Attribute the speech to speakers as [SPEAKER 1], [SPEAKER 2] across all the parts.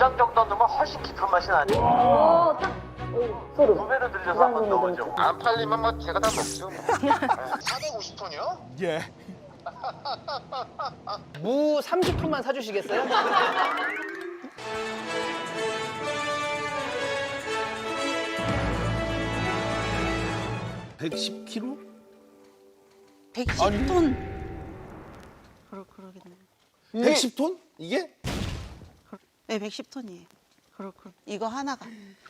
[SPEAKER 1] 장 정도 넣으면 훨씬 깊은 맛이 나죠.
[SPEAKER 2] 소름.
[SPEAKER 1] 2배로 늘려서 한번 넣어보죠. 안 팔리면 뭐 제가 다 먹죠. 450톤이요?
[SPEAKER 3] 예.
[SPEAKER 4] 무 30톤만 사주시겠어요?
[SPEAKER 3] (110kg)
[SPEAKER 5] 110톤. 그러겠네.
[SPEAKER 3] 110톤? 이게?
[SPEAKER 5] 네, 110톤이에요. 이거 하나가.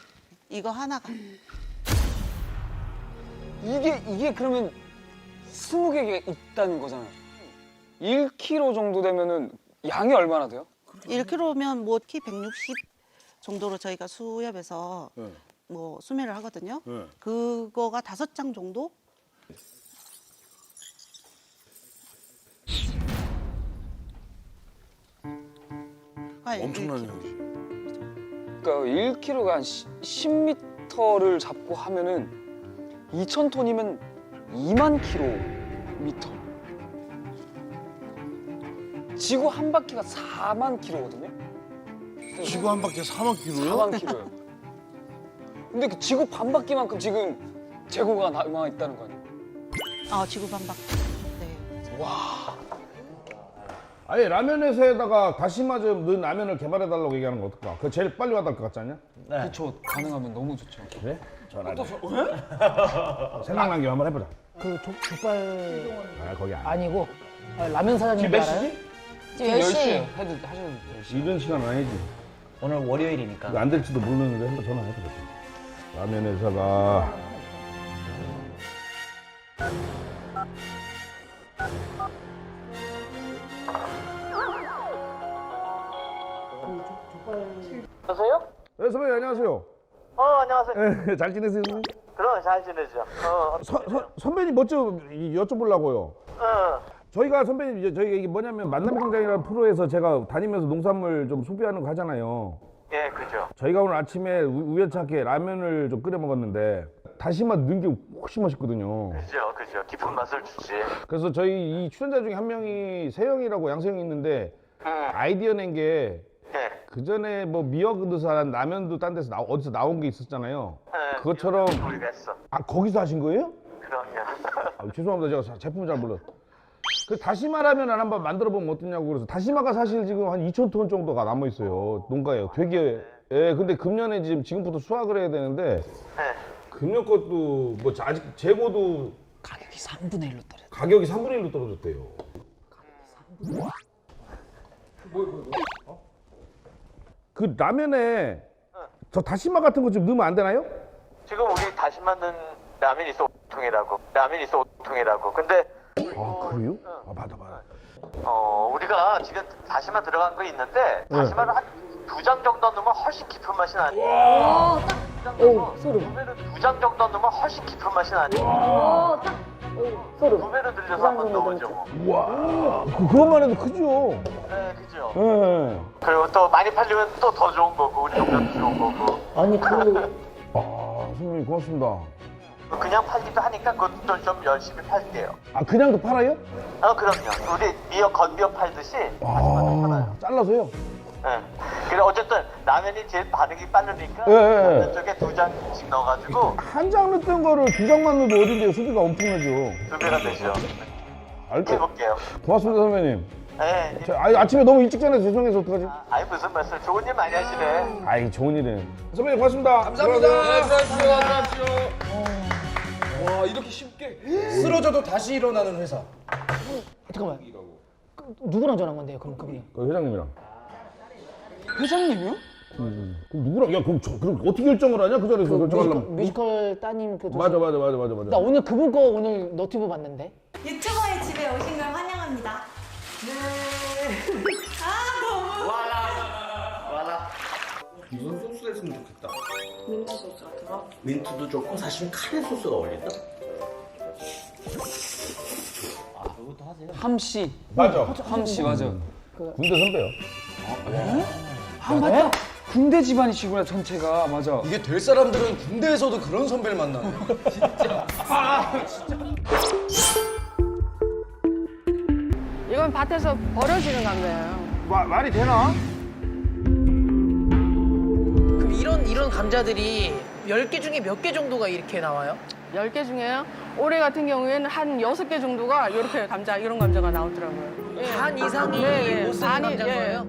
[SPEAKER 6] 이게 그러면 20개가 있다는 거잖아요. 1kg 정도 되면은 양이 얼마나 돼요?
[SPEAKER 5] 1kg면 뭐 키 160 정도로 저희가 수협에서
[SPEAKER 3] 네.
[SPEAKER 5] 뭐 수매를 하거든요.
[SPEAKER 3] 네.
[SPEAKER 5] 그거가 5장 정도?
[SPEAKER 3] 엄청나네.
[SPEAKER 6] 그러니까 1kg가 한 10m를 잡고 하면은 2,000톤이면 2만 킬로미터. 지구 한 바퀴가 4만 킬로거든요.
[SPEAKER 3] 지구 한 바퀴 4만 킬로요?
[SPEAKER 6] 4만 킬로예요. 근데 그 지구 반 바퀴만큼 지금 재고가 남아 있다는 거 아니에요?
[SPEAKER 5] 지구 반박. 네.
[SPEAKER 7] 아니 라면 회사에다가 다시마 좀 넣은 라면을 개발해달라고 얘기하는 거 어떨까? 그거 제일 빨리 와닿을 것 같지 않냐?
[SPEAKER 6] 그렇죠. 가능하면 너무 좋죠.
[SPEAKER 7] 그래? 전화해. 생각난 김에 한번 해보자.
[SPEAKER 4] 그 족발
[SPEAKER 7] 거기 아니야.
[SPEAKER 4] 아니고 라면 사장님 알아요?
[SPEAKER 5] 지금 10시.
[SPEAKER 6] 하셔도 돼요.
[SPEAKER 7] 이런 시간 아니지.
[SPEAKER 8] 오늘 월요일이니까.
[SPEAKER 7] 이거 안 될지도 모르는데 한번 전화해보자. 라면 회사가
[SPEAKER 1] 여보세요?
[SPEAKER 7] 네, 선배님 안녕하세요.
[SPEAKER 1] 안녕하세요.
[SPEAKER 7] 네, 잘 지내세요? 선배님?
[SPEAKER 1] 그럼 잘 지내죠.
[SPEAKER 7] 선배님 먼저 여쭤보려고요. 저희가 선배님 이제 저희가 이게 뭐냐면 만남광장이라는 프로에서 제가 다니면서 농산물 좀 소비하는 거 하잖아요.
[SPEAKER 1] 예, 그죠.
[SPEAKER 7] 저희가 오늘 아침에 우연찮게 라면을 좀 끓여 먹었는데 다시마 넣은 게 훨씬 맛있거든요.
[SPEAKER 1] 그죠. 깊은 맛을 주지.
[SPEAKER 7] 그래서 저희 이 출연자 중에 한 명이 세영이라고 양세형이 있는데 아이디어 낸 게
[SPEAKER 1] 예.
[SPEAKER 7] 그 전에 뭐 미역 넣어서 라면도 딴 데서 어디서 나온 게 있었잖아요. 그것처럼
[SPEAKER 1] 우리가 했어.
[SPEAKER 7] 거기서 하신 거예요?
[SPEAKER 1] 그럼요.
[SPEAKER 7] 죄송합니다. 제가 제품을 잘 몰라서. 그 다시마 라면을 한번 만들어 보면 어떠냐고 그래서 다시마가 사실 지금 한 2,000톤 정도가 남아 있어요. 농가에 되게. 예, 근데 금년에 지금부터 수확을 해야 되는데
[SPEAKER 1] 네.
[SPEAKER 7] 금년 것도 뭐 아직 재고도
[SPEAKER 4] 가격이 3분의 1로 떨어져.
[SPEAKER 7] 가격이 3분의 1로 떨어졌대요. 그 라면에 저 다시마 같은 거 좀 넣으면 안 되나요?
[SPEAKER 1] 지금 우리 다시 만든 라면이 있어 5통이라고. 근데
[SPEAKER 7] 아 그래요? 맞아.
[SPEAKER 1] 우리가 지금 다시마 들어간 거 있는데 다시마를 한 2장 정도 넣으면 훨씬 깊은 맛이 나죠.
[SPEAKER 2] 소름.
[SPEAKER 1] 2장 정도 넣으면 훨씬 깊은 맛이 나죠.
[SPEAKER 2] 소름.
[SPEAKER 1] 2배로 늘려서 한번 넣어보죠.
[SPEAKER 7] 와 그것만 해도 크죠?
[SPEAKER 1] 네, 그죠.
[SPEAKER 7] 예.
[SPEAKER 1] 그리고 또 많이 팔리면 또 더 좋은 거고 우리 동네도 좋은 거고.
[SPEAKER 2] 아니
[SPEAKER 7] 선생님 고맙습니다.
[SPEAKER 1] 그냥 팔기도 하니까 그것도 좀 열심히 팔게요.
[SPEAKER 7] 그냥도 팔아요?
[SPEAKER 1] 그럼요. 우리 미역 건미역 팔듯이 다시마도 팔아요.
[SPEAKER 7] 잘라서요?
[SPEAKER 1] 예. 그래 어쨌든 라면이 제일 반응이 빠르니까
[SPEAKER 7] 예.
[SPEAKER 1] 라면 쪽에 2장씩 넣어가지고
[SPEAKER 7] 한 장 넣었던 거를 2장만 넣어도 어딘데요? 수비가 엄청나죠.
[SPEAKER 1] 2배가 되죠.
[SPEAKER 7] 알죠?
[SPEAKER 1] 해볼게요.
[SPEAKER 7] 고맙습니다 선배님.
[SPEAKER 1] 예.
[SPEAKER 7] 아침에 너무 일찍 전해서 죄송해서 어떡하지?
[SPEAKER 1] 아이 무슨 말씀? 좋은 일 많이 하시네.
[SPEAKER 7] 아이 좋은 일은. 선배님 고맙습니다.
[SPEAKER 3] 감사합니다. 들어가십시오. 와 이렇게 쉽게 쓰러져도 다시 일어나는 회사.
[SPEAKER 4] 잠깐만. 누구랑 전화한 건데요? 그럼 그분이?
[SPEAKER 7] 그 회장님이랑.
[SPEAKER 6] 회장님이요?
[SPEAKER 7] 그럼 누구랑? 야 그럼 어떻게 결정을 하냐? 그 자리에서 결정하려면.
[SPEAKER 4] 뮤지컬 따님 그
[SPEAKER 7] 맞아.
[SPEAKER 4] 나 오늘 그분 거 오늘 너튜브 봤는데.
[SPEAKER 9] 유튜버의 집에 오신 걸 환영합니다.
[SPEAKER 8] 무슨 소스 했으면 좋겠다. 민트 소스 같은 거? 민트도 좋고 사실 카레 소스가 어울린다. 그것도 하세요?
[SPEAKER 6] 함씨.
[SPEAKER 7] 맞아.
[SPEAKER 6] 함씨 맞아.
[SPEAKER 7] 군대 선배요.
[SPEAKER 6] 맞다. 군대 집안이시구나 전체가. 맞아.
[SPEAKER 3] 이게 될 사람들은 군대에서도 그런 선배를 만나네.
[SPEAKER 10] 이건 밭에서 버려지는 감자예요.
[SPEAKER 7] 말이 되나?
[SPEAKER 10] 감자들이 10개 중에 몇 개 정도가 이렇게 나와요?
[SPEAKER 11] 10개 중에요? 올해 같은 경우에는 한 6개 정도가 이렇게 감자, 이런 감자가 나오더라고요. 예.
[SPEAKER 10] 반 이상이
[SPEAKER 11] 네,
[SPEAKER 10] 못 쓰는
[SPEAKER 11] 반이,
[SPEAKER 10] 감자인
[SPEAKER 11] 예.
[SPEAKER 10] 거예요?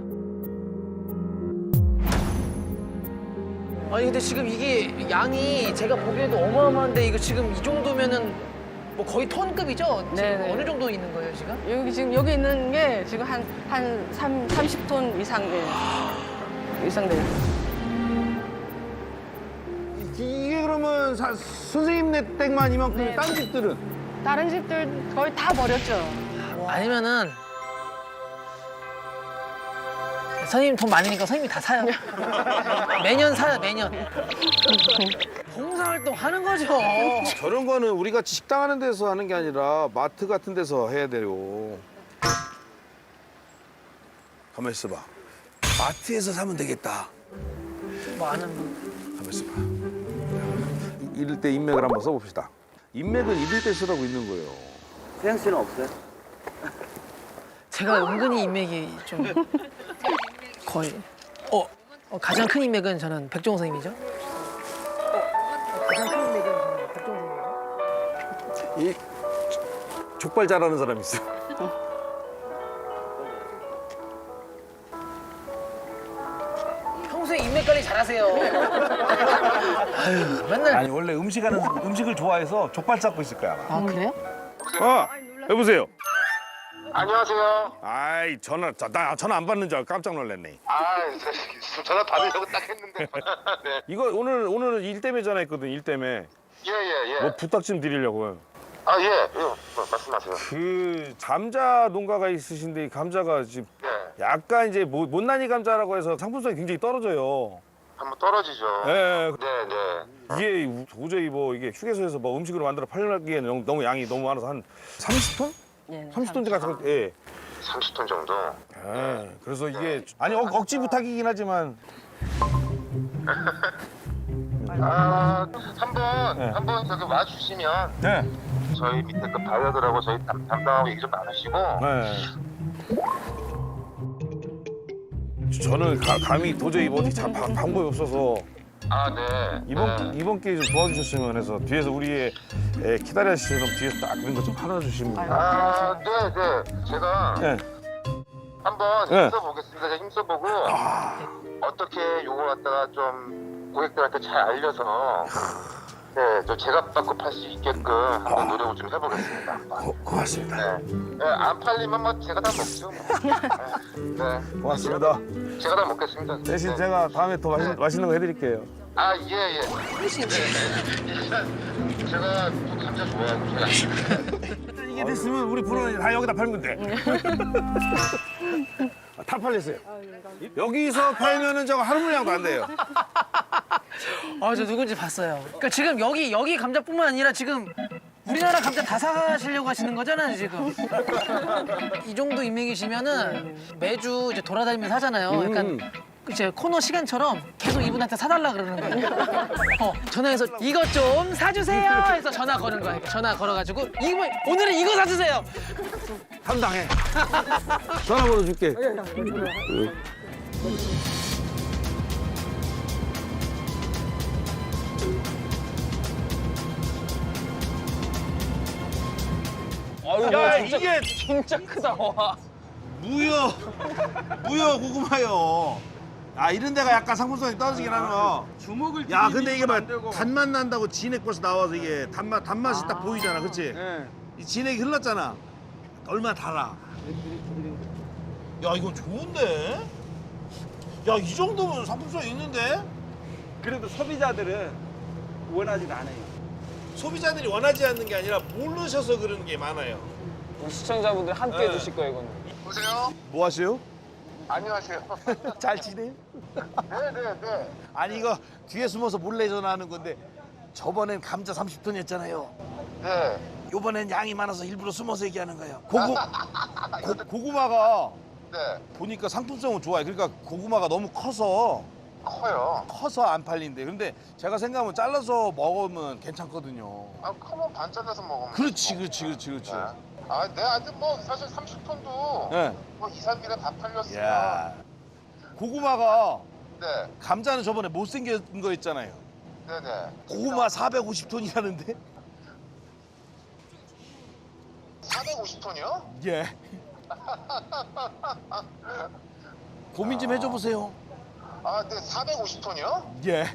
[SPEAKER 10] 아니 근데 지금 이게 양이 제가 보기에도 어마어마한데 이거 지금 이 정도면은 뭐 거의 톤급이죠? 지금
[SPEAKER 11] 네네.
[SPEAKER 10] 어느 정도 있는 거예요 지금?
[SPEAKER 11] 여기 있는 게 지금 한 30톤 이상, 이상 돼요.
[SPEAKER 7] 이게 그러면 선생님네 댁만 이만큼
[SPEAKER 11] 네.
[SPEAKER 7] 딴 집들은?
[SPEAKER 11] 다른 집들 거의 다 버렸죠.
[SPEAKER 10] 아니면은 선생님 돈 많으니까 선생님이 다 사요. 매년 사요 매년. 봉사활동 하는 거죠.
[SPEAKER 7] 저런 거는 우리 같이 식당 하는 데서 하는 게 아니라 마트 같은 데서 해야 돼요. 가만 있어봐. 마트에서 사면 되겠다.
[SPEAKER 10] 많은
[SPEAKER 7] 가만 있어봐. 이럴 때 인맥을 한번 써봅시다. 인맥은 이럴 때 쓰라고 있는 거예요.
[SPEAKER 8] 세영 씨는 없어요?
[SPEAKER 10] 제가 은근히 인맥이 좀 거의 가장 큰 인맥은 저는 백종원 선생님이죠. 가장 큰 인맥은 저는 백종원 선생님.
[SPEAKER 7] 이 족발 잘하는 사람 있어.
[SPEAKER 10] 평소에 인맥 관리 잘하세요. 아유 맨날.
[SPEAKER 7] 아니 원래 음식을 좋아해서 족발 찾고 있을 거야.
[SPEAKER 10] 아 그래요?
[SPEAKER 7] 여보세요.
[SPEAKER 1] 안녕하세요.
[SPEAKER 7] 아이 나 전화 안 받는 줄 알고 깜짝 놀랐네.
[SPEAKER 1] 전화 받으려고 딱 했는데. 네.
[SPEAKER 7] 이거 오늘 일 때문에 전화했거든. 일 때문에.
[SPEAKER 1] 예.
[SPEAKER 7] 뭐 부탁 좀 드리려고요.
[SPEAKER 1] 예. 말씀하세요.
[SPEAKER 7] 그 감자 농가가 있으신데 이 감자가 지금
[SPEAKER 1] 네.
[SPEAKER 7] 약간 이제 못난이 감자라고 해서 상품성이 굉장히 떨어져요.
[SPEAKER 1] 한번 떨어지죠.
[SPEAKER 7] 예.
[SPEAKER 1] 네.
[SPEAKER 7] 이게 도저히 뭐 이게 휴게소에서 뭐 음식으로 만들어 팔기에는 너무 양이 너무 많아서 한 30톤?
[SPEAKER 11] 네,
[SPEAKER 7] 30톤 가서 예.
[SPEAKER 1] 30톤 정도.
[SPEAKER 7] 예. 그래서 이게 아니 억지 부탁이긴 하지만
[SPEAKER 1] 한번 저기 와 주시면
[SPEAKER 7] 네.
[SPEAKER 1] 저희 밑에 그 바이어들하고 저희 담당하고 얘기 좀 나누시고.
[SPEAKER 7] 네. 저는 감히 도저히 뭐 어떻게 방법이 없어서
[SPEAKER 1] 네.
[SPEAKER 7] 이번 기회에 좀 도와주셨으면 해서 뒤에서 우리의 키다리아씨처럼 뒤에서 딱 그런 거 좀 팔아주시면.
[SPEAKER 1] 네. 제가
[SPEAKER 7] 네.
[SPEAKER 1] 한번
[SPEAKER 7] 네.
[SPEAKER 1] 힘써보겠습니다. 제가 힘써보고 어떻게 요거 갖다가 좀 고객들한테 잘 알려서 좀 제값 팔 수 있게끔 한번 노력을 좀 해보겠습니다.
[SPEAKER 7] 고맙습니다.
[SPEAKER 1] 네, 안 팔리면 뭐 제가 다 먹죠. 네.
[SPEAKER 7] 고맙습니다.
[SPEAKER 1] 제가 다 먹겠습니다.
[SPEAKER 7] 대신
[SPEAKER 1] 네.
[SPEAKER 7] 제가 다음에 더 맛있는 거 해드릴게요.
[SPEAKER 1] 예. 제가 또 감자 좋아하고
[SPEAKER 7] 이게 됐으면 우리 프로는 다 여기다 팔면 돼. 다 팔렸어요. 여기서 팔면은 저거 하루 물량도 안 돼요.
[SPEAKER 10] 저 누군지 봤어요. 그러니까 지금 여기 감자뿐만 아니라 지금 우리나라 감자 다 사가시려고 하시는 거잖아요 지금. 이 정도 인맥이시면은 매주 이제 돌아다니면서 하잖아요. 약간 이제 코너 시간처럼 계속 이분한테 사달라 그러는 거예요. 전화해서 이것 좀 사주세요 해서 전화 거는 거예요. 전화 걸어가지고 오늘은 이거 사주세요.
[SPEAKER 7] 담당해. 전화번호 줄게.
[SPEAKER 6] 야
[SPEAKER 7] 이게
[SPEAKER 6] 진짜 크다. 와.
[SPEAKER 7] 무효 고구마요. 이런 데가 약간 상품성이 떨어지긴 하나.
[SPEAKER 3] 주먹을
[SPEAKER 7] 야 근데 이게 막 단맛 난다고 진액 벌써 나와서 이게 단맛이 딱 보이잖아, 그렇지?
[SPEAKER 6] 네.
[SPEAKER 7] 이 진액이 흘렀잖아. 얼마나 달아. 야 이거 좋은데? 야 이 정도면 상품성이 있는데?
[SPEAKER 8] 그래도 소비자들은 원하지 않아요.
[SPEAKER 7] 소비자들이 원하지 않는 게 아니라 모르셔서 그런 게 많아요.
[SPEAKER 6] 우리 시청자분들 함께
[SPEAKER 7] 네.
[SPEAKER 6] 해주실 거예요 이거는.
[SPEAKER 1] 보세요.
[SPEAKER 7] 뭐 하세요?
[SPEAKER 1] 안녕하세요.
[SPEAKER 7] 잘 지내요?
[SPEAKER 1] 네.
[SPEAKER 7] 아니 이거 뒤에 숨어서 몰래 전화하는 건데 저번엔 감자 30톤이었잖아요.
[SPEAKER 1] 네.
[SPEAKER 7] 요번엔 양이 많아서 일부러 숨어서 얘기하는 거예요. 고구마가
[SPEAKER 1] 네.
[SPEAKER 7] 보니까 상품성은 좋아요. 그러니까 고구마가 너무 커서 안 팔린대. 근데 제가 생각하면 잘라서 먹으면 괜찮거든요.
[SPEAKER 1] 커면 반 잘라서 먹으면.
[SPEAKER 7] 그렇지.
[SPEAKER 1] 아직 뭐 사실 30톤도
[SPEAKER 7] 네.
[SPEAKER 1] 뭐 2, 3일에 다 팔렸어요.
[SPEAKER 7] 야 고구마가
[SPEAKER 1] 네.
[SPEAKER 3] 감자는 저번에 못생긴 거 있잖아요.
[SPEAKER 1] 네네.
[SPEAKER 3] 고구마 450톤이라는데?
[SPEAKER 1] 450톤이요?
[SPEAKER 3] 예. 고민 좀 해줘 보세요.
[SPEAKER 1] 아, 네, 450톤이요?
[SPEAKER 3] 예.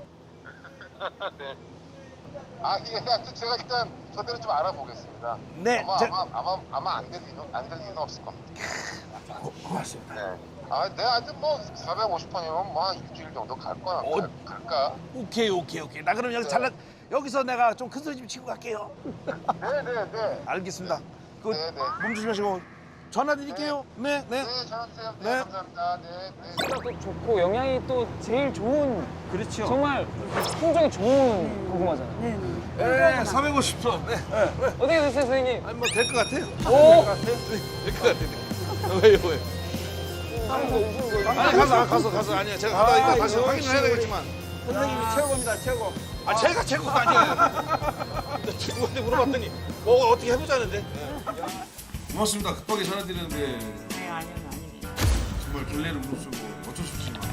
[SPEAKER 1] 네. 아, 예, 하여튼 제가 일단 저대로 좀 알아보겠습니다.
[SPEAKER 3] 네,
[SPEAKER 1] 아마 안 될 리는 없을 겁니다.
[SPEAKER 3] 고맙습니다.
[SPEAKER 1] 네. 아, 네, 하여튼 뭐 450톤이면 뭐 한 일주일 정도 갈까? 갈까?
[SPEAKER 3] 오케이. 나 그럼 여기
[SPEAKER 1] 네.
[SPEAKER 3] 여기서 내가 좀 큰 소리 좀 치고 갈게요.
[SPEAKER 1] 네.
[SPEAKER 3] 알겠습니다. 그
[SPEAKER 1] 네.
[SPEAKER 3] 몸 조심하시고 전화 드릴게요. 네.
[SPEAKER 1] 네, 전화 주세요. 네,
[SPEAKER 3] 네.
[SPEAKER 1] 감사합니다. 네.
[SPEAKER 6] 또 좋고 영양이 또 제일 좋은
[SPEAKER 3] 그렇죠.
[SPEAKER 6] 정말 품종이 좋은 고구마잖아요.
[SPEAKER 3] 네, 450톤. 네.
[SPEAKER 6] 어떻게 됐어요, 선생님?
[SPEAKER 3] 아니 뭐 될 것 같아요.
[SPEAKER 6] 오!
[SPEAKER 3] 될 것 같아요. 왜요? 아니 가서 아니야. 제가 가다 이거 다시 확인을 해야 되겠지만.
[SPEAKER 6] 선생님이 최고입니다, 최고.
[SPEAKER 3] 아 제가 최고가 아니에요. 친구한테 물어봤더니 뭐 어떻게 해보자는데. 고맙습니다. 급하게 전화드렸는데
[SPEAKER 5] 네, 아닙니다.
[SPEAKER 3] 정말 결례를 무릅쓰고 어쩔 수 없지만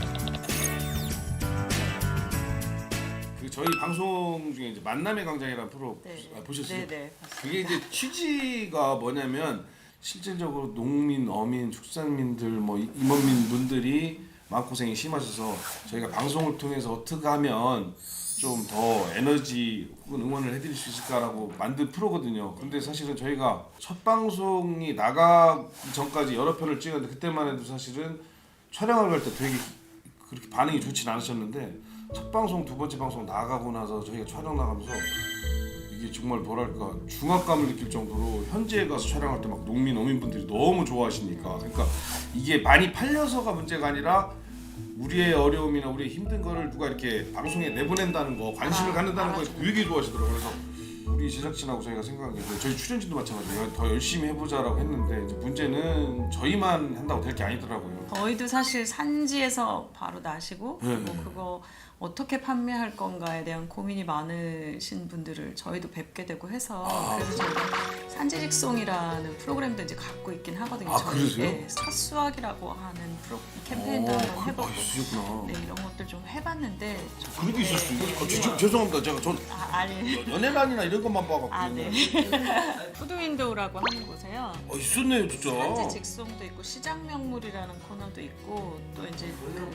[SPEAKER 3] 그 저희 방송 중에 이제 만남의 광장이라는 프로 보셨어요?
[SPEAKER 5] 네.
[SPEAKER 3] 그게 이제 취지가 뭐냐면 실질적으로 농민, 어민, 축산민들, 뭐 임원민 분들이 마음고생이 심하셔서 저희가 방송을 통해서 어떻게 하면 좀 더 에너지 혹은 응원을 해드릴 수 있을까라고 만든 프로거든요. 근데 사실은 저희가 첫 방송이 나가기 전까지 여러 편을 찍었는데 그때만 해도 사실은 촬영을 갈 때 되게 그렇게 반응이 좋진 않으셨는데 첫 방송, 두 번째 방송 나가고 나서 저희가 촬영 나가면서 이게 정말 뭐랄까 중압감을 느낄 정도로 현지에 가서 촬영할 때 막 농민, 어민분들이 너무 좋아하시니까 그러니까 이게 많이 팔려서가 문제가 아니라 우리의 어려움이나 우리의 힘든 거를 누가 이렇게 방송에 내보낸다는 거, 관심을 갖는다는 거에 되게 좋아하시더라고요. 그래서 우리 제작진하고 저희가 생각한 게 저희 출연진도 마찬가지예요. 더 열심히 해보자라고 했는데 이제 문제는 저희만 한다고 될 게 아니더라고요.
[SPEAKER 5] 저희도 사실 산지에서 바로 나시고 그리고 그거 어떻게 판매할 건가에 대한 고민이 많으신 분들을 저희도 뵙게 되고 해서 그래서 저희가 산지직송이라는 프로그램도 이제 갖고 있긴 하거든요.
[SPEAKER 3] 그러세요?
[SPEAKER 5] 네, 삿수학이라고 하는 캠페인도 한번 해보고
[SPEAKER 3] 있으셨구나.
[SPEAKER 5] 네, 이런 것들 좀 해봤는데
[SPEAKER 3] 그런 게 있었어요? 죄송합니다. 제가 전
[SPEAKER 5] 아니
[SPEAKER 3] 연예란이나 이런 것만 봐갖고.
[SPEAKER 5] 네. 푸드윈도우라고 하는 곳에요.
[SPEAKER 3] 있었네요 진짜.
[SPEAKER 5] 산지 직송도 있고 시장 명물이라는 코너도 있고 또 이제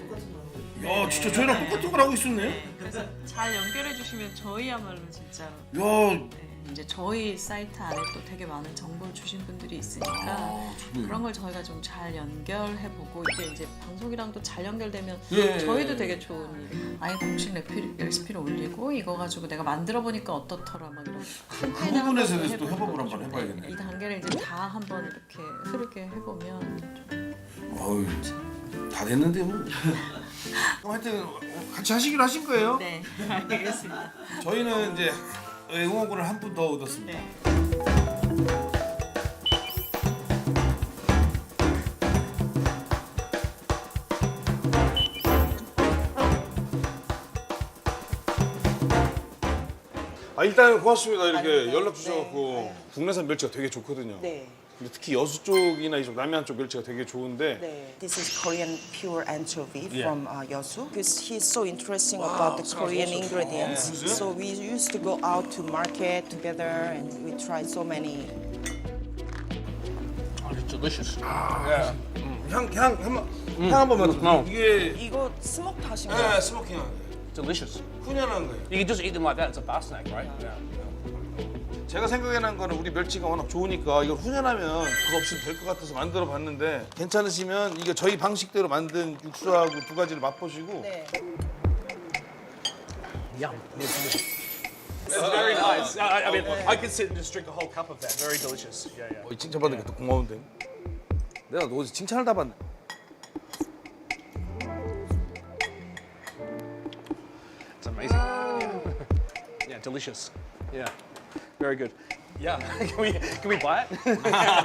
[SPEAKER 3] 야 진짜 저희랑 똑같은 걸 하고 있었네.
[SPEAKER 5] 네, 그래서 잘 연결해 주시면 저희야말로 진짜로
[SPEAKER 3] 야
[SPEAKER 5] 이제 저희 사이트 안에 또 되게 많은 정보를 주신 분들이 있으니까 그런 걸 저희가 좀 잘 연결해보고 이게 이제 방송이랑도 잘 연결되면 저희도 되게 좋은 일. 아예 공식 레시피를 올리고 이거 가지고 내가 만들어 보니까 어떻더라 막 이런
[SPEAKER 3] 그 부분에서 대해서 또 협업을 한번 해봐야겠네.
[SPEAKER 5] 이 단계를 이제 다 한번 이렇게 흐르게 해보면
[SPEAKER 3] 어우 다 됐는데 뭐. 그럼 하여튼 같이 하시기로 하신 거예요?
[SPEAKER 5] 네 알겠습니다.
[SPEAKER 3] 저희는 이제 응원군을 한 분 더 얻었습니다.
[SPEAKER 5] 네.
[SPEAKER 3] 일단 고맙습니다. 이렇게 연락 주셔갖고 국내산 멸치가 되게 좋거든요.
[SPEAKER 12] 네.
[SPEAKER 3] 근데 특히 여수 쪽이나 이쪽 남해안 쪽 멸치가 되게 좋은데
[SPEAKER 12] This is Korean pure anchovy from Yeosu. Because he's so interesting about the Korean ingredients. So we used to go out to market together and we tried so many.
[SPEAKER 8] It's delicious.
[SPEAKER 3] 향 한 번만. 이게
[SPEAKER 12] 이거 스모크 하신 거예요?
[SPEAKER 3] 스모킹 향.
[SPEAKER 8] Delicious.
[SPEAKER 3] 훈연한 거예요.
[SPEAKER 8] You can just eat them like that. It's a bar snack, right? Yeah.
[SPEAKER 3] 제가 생각해낸 거는 우리 멸치가 워낙 좋으니까 이걸 훈연하면 그거 없이도 될 것 같아서 만들어 봤는데 괜찮으시면 이게 저희 방식대로 만든 육수하고 두 가지를 맛보시고
[SPEAKER 12] 네.
[SPEAKER 8] Yum. It's very nice. I mean, I could sit and just drink a whole cup of that. Very delicious. Yeah, yeah.
[SPEAKER 3] 칭찬받는 게 더 고마운데 내가 너 어디서 칭찬을 다 받네.
[SPEAKER 8] It's amazing. Yeah, delicious. Yeah, very good. Yeah, can we buy it?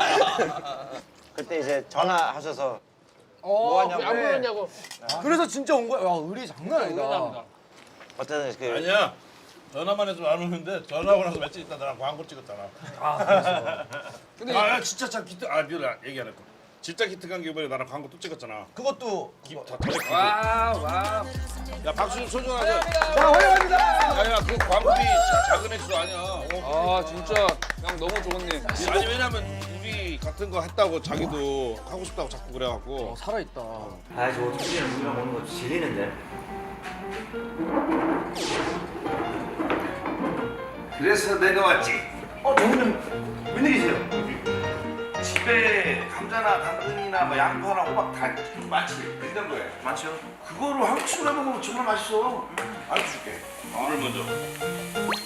[SPEAKER 13] 그때 이제 전화하셔서 뭐 하냐고.
[SPEAKER 10] 안 불렀냐고. 그래서 진짜 온 거야. 야, 의리 장난 아니다.
[SPEAKER 13] 어쨌든 그
[SPEAKER 3] 아니야. 전화만 해서 안 오는데 전화하고 나서 며칠 있다 나랑 광고 찍었잖아.
[SPEAKER 10] 아, 그래서.
[SPEAKER 3] 근데 진짜 참 기특. 미안 얘기 안 했고.
[SPEAKER 7] 진짜 기특한 게 이번에 나랑 광고 또 찍었잖아.
[SPEAKER 13] 그것도
[SPEAKER 7] 다 잘했고. 와. 야 박수 소중하자.
[SPEAKER 6] 자, 환영합니다.
[SPEAKER 7] 야야 그 광고비 작은 액수 아니야.
[SPEAKER 6] 아, 진짜 형 너무 좋은데.
[SPEAKER 7] 아니 왜냐면 우리 같은 거 했다고 자기도 하고 싶다고 자꾸 그래갖고.
[SPEAKER 6] 살아있다.
[SPEAKER 13] 아, 저 어떻게 우리랑 오는 거 질리는데.
[SPEAKER 3] 그래서 내가 왔지.
[SPEAKER 13] 너무는 웬일이세요?
[SPEAKER 3] 집에 감자나 당근이나 뭐 양파나 호박 다 많지. 냉장고에 많죠. 그거로 한국식으로 먹으면 정말 맛있어. 알려 줄게. 물을 먼저.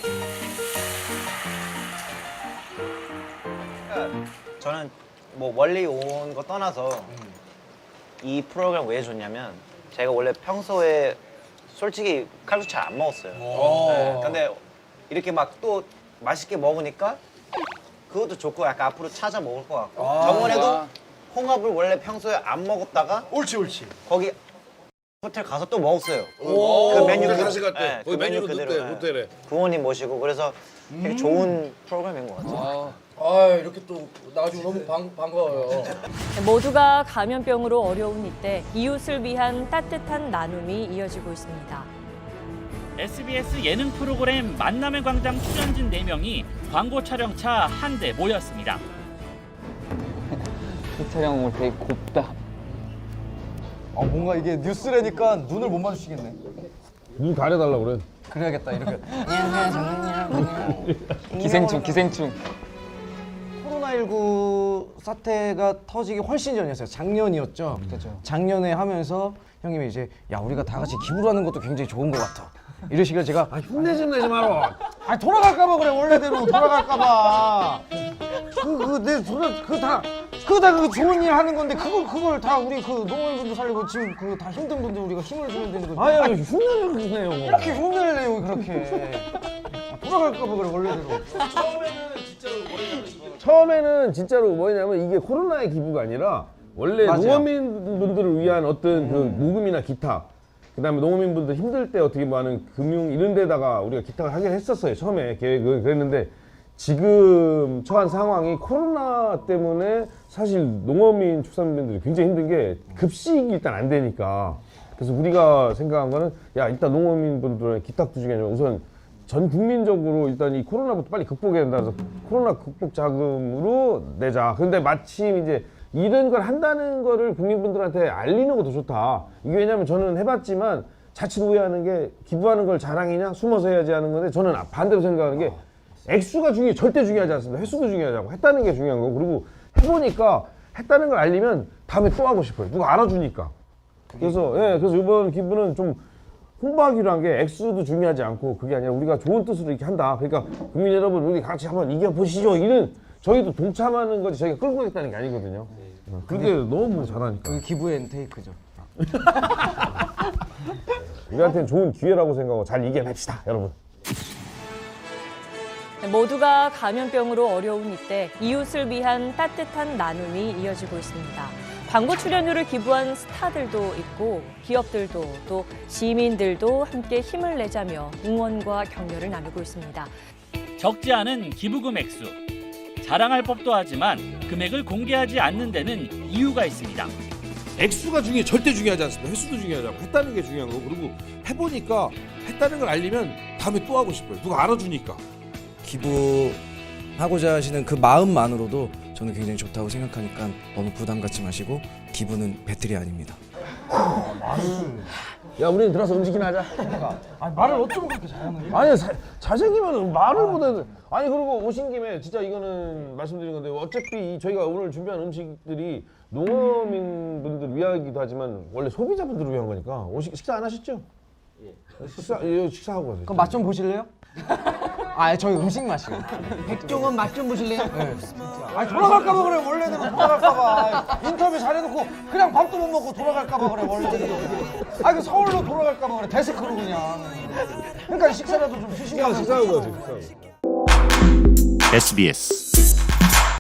[SPEAKER 13] 저는 뭐 멀리 온 거 떠나서 이 프로그램 왜 좋냐면 제가 원래 평소에 솔직히 칼국수 잘 안 먹었어요. 네, 근데 이렇게 막 또 맛있게 먹으니까 그것도 좋고 약간 앞으로 찾아 먹을 것 같고 저번에도 홍합을 원래 평소에 안 먹었다가 옳지 거기 호텔 가서 또 먹었어요.
[SPEAKER 7] 그
[SPEAKER 13] 메뉴
[SPEAKER 7] 다시 갔대.
[SPEAKER 13] 네,
[SPEAKER 7] 거기
[SPEAKER 13] 그 메뉴
[SPEAKER 7] 메뉴도
[SPEAKER 13] 그대로,
[SPEAKER 7] 넣대
[SPEAKER 13] 네.
[SPEAKER 7] 호텔에.
[SPEAKER 13] 부모님 모시고 그래서 되게 좋은 프로그램인 것 같아요.
[SPEAKER 10] 이렇게 또 나와주고 너무 반가워요.
[SPEAKER 2] 모두가 감염병으로 어려운 이때 이웃을 위한 따뜻한 나눔이 이어지고 있습니다.
[SPEAKER 14] SBS 예능 프로그램 만남의 광장 출연진 4명이 광고 촬영차 한 대 모였습니다.
[SPEAKER 6] 이 촬영 오늘 되게 곱다.
[SPEAKER 13] 뭔가 이게 뉴스라니까 눈을 못 마주치겠네.
[SPEAKER 7] 눈 가려달라 그래.
[SPEAKER 13] 그래야겠다 이렇게.
[SPEAKER 6] 기생충.
[SPEAKER 15] 코로나19 사태가 터지기 훨씬 전이었어요. 작년이었죠. 작년에 하면서 형님이 이제 야 우리가 다 같이 기부를 하는 것도 굉장히 좋은 것 같아. 이러시길래 제가
[SPEAKER 7] 흉내 좀 내지 마라.
[SPEAKER 15] 돌아갈까봐 그래 원래대로 돌아갈까봐. 그거 다 그 좋은 일 하는 건데 그걸 다 우리 그 농업인분들 살리고 지금 그 다 힘든 분들 우리가 힘을 주면 되는 거지.
[SPEAKER 7] 아니 흉내를 주세요.
[SPEAKER 15] 이렇게 흉내를 내요 그렇게. 돌아갈까봐 그래 원래대로.
[SPEAKER 7] 처음에는 진짜로 뭐냐면 이게 코로나의 기부가 아니라 원래
[SPEAKER 15] 맞아요.
[SPEAKER 7] 농어민분들을 위한 어떤 그 모금이나 기탁, 그다음에 농어민분들 힘들 때 어떻게 뭐 하는 금융 이런 데다가 우리가 기탁을 하긴 했었어요. 처음에 계획은 그랬는데 지금 처한 상황이 코로나 때문에 사실 농어민 축산민들이 굉장히 힘든 게 급식이 일단 안 되니까. 그래서 우리가 생각한 거는 야 일단 농어민분들의 기탁도 중에 우선 전 국민적으로 일단 이 코로나부터 빨리 극복해야 된다 그래서 코로나 극복 자금으로 내자. 근데 마침 이제 이런 걸 한다는 거를 국민분들한테 알리는 것도 좋다. 이게 왜냐면 저는 해봤지만 자칫 오해하는 게 기부하는 걸 자랑이냐 숨어서 해야지 하는 건데 저는 반대로 생각하는 게 액수가 절대 중요하지 않습니다. 횟수도 중요하고 했다는 게 중요한 거고 그리고 해보니까 했다는 걸 알리면 다음에 또 하고 싶어요. 누가 알아주니까. 그래서 그래서 이번 기부는 좀 홍보하기로 한 게 액수도 중요하지 않고 그게 아니라 우리가 좋은 뜻으로 이렇게 한다. 그러니까 국민 여러분 우리 같이 한번 이겨보시죠. 이런 저희도 동참하는 거지 저희가 끌고 가겠다는 게 아니거든요. 근데 너무 잘하니까.
[SPEAKER 15] 그게 기부의 엔테이크죠.
[SPEAKER 7] 우리한테는 좋은 기회라고 생각하고 잘 이겨냅시다 여러분.
[SPEAKER 2] 모두가 감염병으로 어려운 이때 이웃을 위한 따뜻한 나눔이 이어지고 있습니다. 광고 출연료를 기부한 스타들도 있고 기업들도 또 시민들도 함께 힘을 내자며 응원과 격려를 나누고 있습니다.
[SPEAKER 14] 적지 않은 기부금 액수. 자랑할 법도 하지만 금액을 공개하지 않는 데는 이유가 있습니다.
[SPEAKER 3] 액수가 절대 중요하지 않습니다. 횟수도 중요하지 않고 했다는 게 중요한 거고 그리고 해보니까 했다는 걸 알리면 다음에 또 하고 싶어요. 누가 알아주니까.
[SPEAKER 15] 기부하고자 하시는 그 마음만으로도 저는 굉장히 좋다고 생각하니까 너무 부담 갖지 마시고 기부는 배틀이 아닙니다.
[SPEAKER 7] 야 우리는 들어서 움직이나 하자.
[SPEAKER 15] 말을 어쩜 그렇게 잘하는 거야?
[SPEAKER 7] 아니 잘생기면 말을 못해. 아니 그리고 오신 김에 진짜 이거는 말씀드린 건데 어차피 저희가 오늘 준비한 음식들이 농어민 분들 위하기도 하지만 원래 소비자분들을 위한 거니까 식사 안 하셨죠? 식사하고 가세요.
[SPEAKER 15] 그럼 맛 좀 보실래요? 저희 음식 맛이요. 백종원 맛 좀 보실래요? 네. 돌아갈까봐 그래 원래대로 돌아갈까봐. 인터뷰 잘해놓고 그냥 밥도 못 먹고 돌아갈까봐 그래 원래대로. 그 서울로 돌아갈까봐 그래 데스크로 그냥. 그러니까 식사라도 좀 드시고.
[SPEAKER 7] 식사하고 가세요.
[SPEAKER 16] SBS